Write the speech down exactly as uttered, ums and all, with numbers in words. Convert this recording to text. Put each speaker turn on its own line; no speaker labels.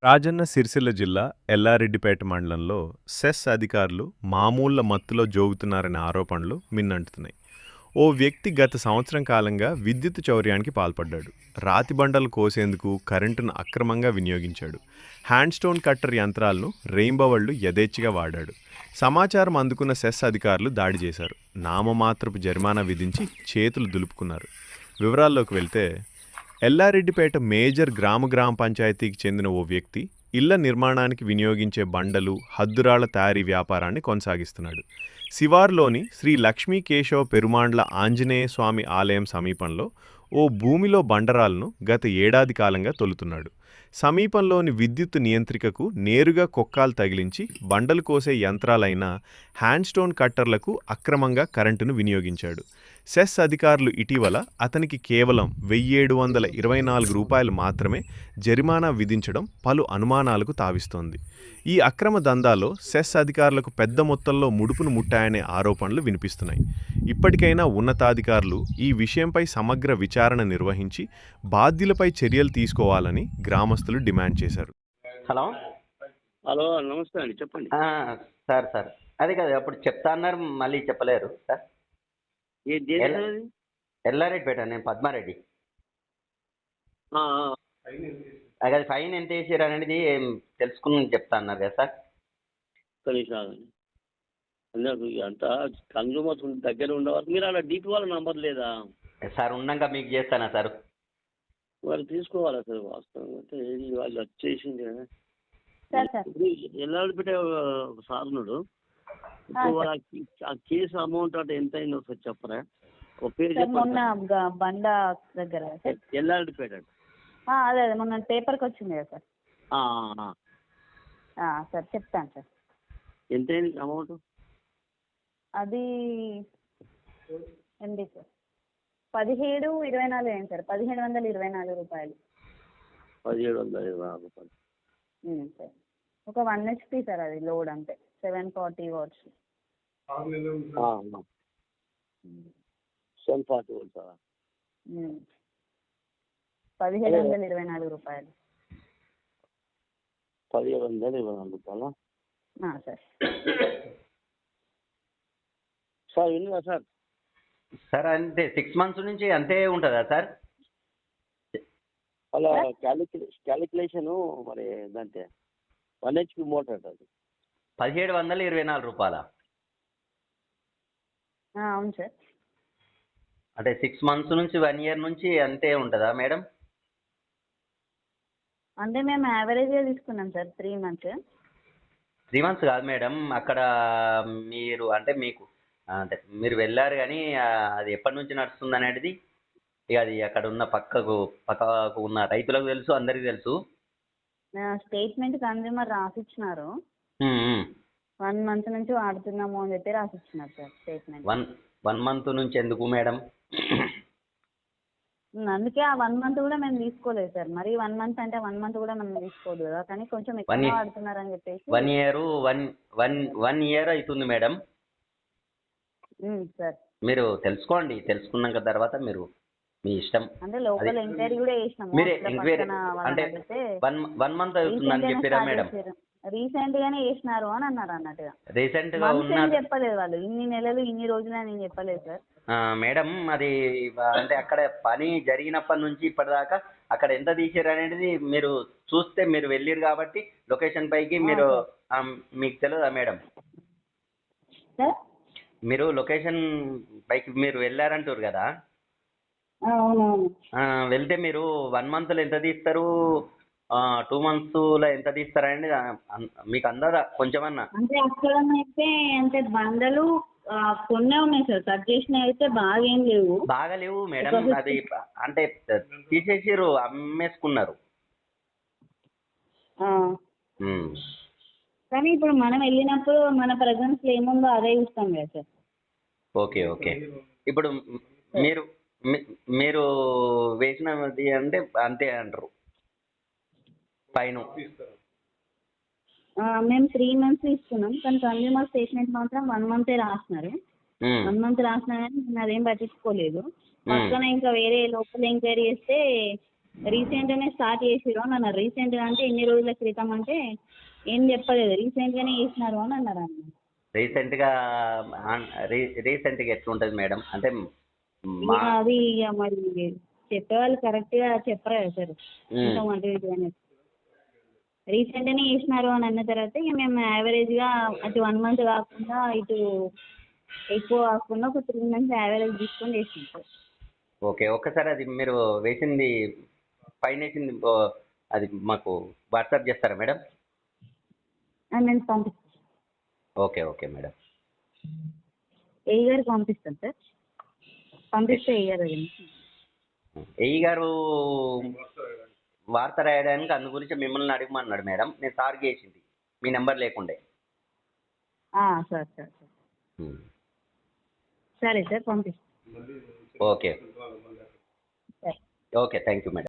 రాజన్న సిరిసిల్ల జిల్లా ఎల్లారెడ్డిపేట మండలంలో సెస్ అధికారులు మామూళ్ల మత్తులో జోగుతున్నారనే ఆరోపణలు మిన్నంటున్నాయి. ఓ వ్యక్తి గత సంవత్సరం కాలంగా విద్యుత్ చౌర్యానికి పాల్పడ్డాడు. రాతి బండలు కోసేందుకు కరెంటును అక్రమంగా వినియోగించాడు. హ్యాండ్ స్టోన్ కట్టర్ యంత్రాలను రెయింబవళ్లు యథేచ్ఛగా వాడాడు. సమాచారం అందుకున్న సెస్ అధికారులు దాడి చేశారు. నామమాత్రపు జరిమానా విధించి చేతులు దులుపుకున్నారు. వివరాల్లోకి వెళ్తే ఎల్లారెడ్డిపేట మేజర్ గ్రామ గ్రామ పంచాయతీకి చెందిన ఓ వ్యక్తి ఇళ్ల నిర్మాణానికి వినియోగించే బండలు, హద్దురాళ్ల తయారీ వ్యాపారాన్ని కొనసాగిస్తున్నాడు. శివార్లోని శ్రీ లక్ష్మీ కేశవ పెరుమాండ్ల ఆంజనేయ స్వామి ఆలయం సమీపంలో ఓ భూమిలో బండరాలను గత ఏడాది కాలంగా తొలుతున్నాడు. సమీపంలోని విద్యుత్ నియంత్రికకు నేరుగా కొక్కాలు తగిలించి బండలు కోసే యంత్రాలైన హ్యాండ్ స్టోన్ కట్టర్లకు అక్రమంగా కరెంటును వినియోగించాడు. సెస్ అధికారులు ఇటీవల అతనికి కేవలం వెయ్యేడు వందల ఇరవై నాలుగు రూపాయలు మాత్రమే జరిమానా విధించడం పలు అనుమానాలకు తావిస్తోంది. ఈ అక్రమ దందాలో సెస్ అధికారులకు పెద్ద మొత్తంలో ముడుపును ముట్టాయనే ఆరోపణలు వినిపిస్తున్నాయి. ఇప్పటికైనా ఉన్నతాధికారులు ఈ విషయంపై సమగ్ర విచారణ నిర్వహించి బాధ్యులపై చర్యలు తీసుకోవాలని గ్రామస్తులు డిమాండ్ చేశారు.
హలో
హలో నమస్తే అండి, చెప్పండి.
ఆ, సార్ సార్ అదే కదా అప్పుడు చెప్తా అన్నారు, మళ్ళీ చెప్పలేరు సార్.
ఏ దేని
ఎల్ల-
సార్ అది?
ఎల్లారెడ్డిపేట, నేను పద్మారెడ్డి.
ఆ, ఆ.
అది అది ఫైన్ ఎంత వేసారు అనేది ఏం తెలుసుకుని చెప్తా అన్నారు కదా సార్.
ఒక్క నిమిషం ఆగండి. అందరూ అంతా కన్జ్యూమర్స్ దగ్గర ఉండేవారు. మీరు అలా డీపీ వాళ్ళ నంబర్ లేదా?
సార్ ఉన్నాక మీకు చేస్తానా సార్?
వాళ్ళు తీసుకోవాలి అసలు వాస్తవం అంటే ఏది వాళ్ళు వచ్చేసింది కదా.
సార్ సార్
ఇప్పుడు ఎల్లాడిపెట్టే ఒక సాధనుడు ఇప్పుడు
సార్.
ఆ కే- ఆ కేసు అమౌంట్ అంటే ఎంత అయిందో ఒకసారి చెప్పరా? ఒక పేరు
సార్ మొన్న
చెప్పండి.
గ- బండ దగ్గర సార్.
ఎల్లాడిపేట
ఆ, అదే అదే మొన్న పేపర్కి వచ్చింది కదా సార్. ఆ, సార్ చెప్తాను సార్.
ఎంత అయింది అమౌంట్?
అది ఎండి సార్ పదిహేడు ఇరవై నాలుగు అయింది సార్. పదిహేడు వందల ఇరవై నాలుగు రూపాయలు.
పదిహేడు వందల ఇరవై నాలుగు రూపాయలు.
ఉమ్, సార్ ఒక వన్ హెచ్పి సార్, అది లోడ్ అంటే seven forty watts.
Seven forty one sir.
పదిహేడు వందల ఇరవై నాలుగు రూపాయలు.
పదిహేడు వందల ఇరవై నాలుగు రూపాయలు
ఆ, సార్.
సార్ విన్నారా సార్?
సార్ అంతే సిక్స్ మంత్స్ నుంచి అంతే ఉంటుందా సార్?
అలా క్యాలిక్యులే క్యాలిక్యులేషను మరి దాంతే వన్ హెచ్పి మోటార్ అది.
పదిహేడు వందల ఇరవై నాలుగు రూపాయల
ఆ, అవును సార్.
అంటే సిక్స్ మంత్స్ నుంచి వన్ ఇయర్ నుంచి అంతే ఉంటుందా మేడం?
అంటే మేము యావరేజ్గా తీసుకున్నాం sir three months.
Three months కాదు మేడం, అక్కడ మీరు అంటే మీకు అంటే మీరు వెళ్ళారు కానీ ఆ, అది ఎప్పటి నుంచి నడుస్తుంది అనేది ఇక అది అక్కడ ఉన్న పక్కకు పక్కకు ఉన్న రైతులకు తెలుసు, అందరికీ తెలుసు.
స్టేట్మెంట్ కన్జ్యూమర్ రాసిచ్చినారు.
Um, um.
వన్ మంత్ నుంచి వాడుతున్నాము అని చెప్పి రాసిచ్చినారు sir statement.
One one month నుంచి ఎందుకు మేడం?
అందుకే ఆ వన్ మంత్ కూడా మేము తీసుకోలేదు సార్. మరి వన్ మంత్ అంటే వన్ మంత్ కూడా మనం తీసుకోదు కదా, కానీ కొంచెం
One
ఎక్కువ
year.
వాడుతున్నారు అని చెప్పేసి.
One year one one one year అవుతుంది మేడం.
ఉమ్, సార్
మీరు తెలుసుకోండి, తెలుసుకున్నాక తర్వాత మీరు మీ ఇష్టం.
అంటే లోకల్
అది-
ఎంక్వైరీ కూడా చేసినాము.
మీరే
అట్లా
ఎంక్వైరీ
పక్కన వాళ్ళని
అంటే
అడిగితే
వన్ వన్ మంత్ అవుతుందని చెప్పిరా మేడం?
రీసెంట్ గానే చేసినారు అని అన్నారు అన్నట్టుగా.
రీసెంట్ గా
మంత్స్
ఉన్న
ఏం చెప్పలేదు వాళ్ళు, ఇన్ని నెలలు ఇన్ని రోజులు అని ఏం చెప్పలేదు సార్.
ఆ, మేడం అది అంటే అక్కడ పని జరిగినప్పటి నుంచి ఇప్పటిదాకా అక్కడ ఎంత తీసారు అనేది మీరు చూస్తే, మీరు వెళ్ళారు కాబట్టి లొకేషన్ పైకి మీరు ఆ, మీకు తెలియదా మేడం?
సార్
మీరు లొకేషన్ పైకి మీరు వెళ్ళారంటారు కదా,
ఆ, అవునవును.
ఆ, వెళ్తే మీరు వన్ మంత్లో ఎంత తీస్తారు, టూ మంత్స్లో ఎంత తీస్తారు అనేది ఆ, అన్- మీకు అందదా కొంచెమన్నా?
అంటే అక్కడ అయితే అంటే బండలు ఆ, కొన్నే ఉన్నాయి సార్. కట్ చేసినవి అయితే బాగా ఏం లేవు.
బాగా లేవు మేడం, అది అంటే తీసేసిర్రు, అమ్మేసుకున్నారు.
ఆ,
ఉమ్.
కానీ ఇప్పుడు మనం వెళ్ళినప్పుడు మన ప్రజెన్స్ ఏముందో అదే చూస్తాం కదా సార్.
Okay okay. ఇప్పుడు మీరు మీ- మీరు వేసినది అంటే అంతే అంటారు పైన?
ఆ, మేము త్రీ మంత్స్ ఇస్తున్నాం, కానీ కన్జ్యూమర్ స్టేట్మెంట్ మాత్రం వన్ మంతే రాస్తున్నారు.
ఉమ్,
వన్ మంత్ రాసినా కానీ నేను అదేం పట్టించుకోలేదు.
ఉమ్.
పక్కన ఇంకా వేరే లోకల్ ఎంక్వైరీ చేస్తే రీసెంట్గానే స్టార్ట్ చేసిరు అని అన్నారు. రీసెంట్గా అంటే ఎన్ని రోజుల క్రితం అంటే ఏం చెప్పలేదు, రీసెంట్గానే చేసినారు అని అన్నారు అన్న.
రీసెంట్గా రీ- రీసెంట్గా ఎట్లుంటుంది మేడం అంటే
ఇక
మా
అది ఇక మరి చెప్పేవాళ్ళు కరెక్ట్గా చెప్పరు కదా సార్,
మ్మ్.
ఇంత మంది అనేది. రీసెంట్గానే చేసినారు అని అన్న తర్వాత ఇక మేము యావరేజ్గా అటు వన్ మంత్ కాకుండా ఇటు ఎక్కువ కాకుండా ఒక త్రీ మంత్స్ యావరేజ్ తీసుకొని చేసినాం సార్.
ఓకే, ఒక్కసారి అది మీరు వేసింది పైన వేసింది ఓ, అది మాకు వాట్సాప్ చేస్తారా మేడం?
అది నేను పంపిస్తాను,
ఓకే ఓకే మేడం.
ఏ గారికి పంపిస్తాను సార్, పంపిస్తే ఏ గారు
ఏఈ గారు వార్త రాయడానికి అందు గురించి మిమ్మల్ని అడగమన్నాడు మేడం. నేను సార్కి చేసింది మీ నెంబర్ లేకుండే.
Sir sir sir
um.
సరే సార్ పంపిస్తాను.
ఓకే
సరే.
Okay thank you madam.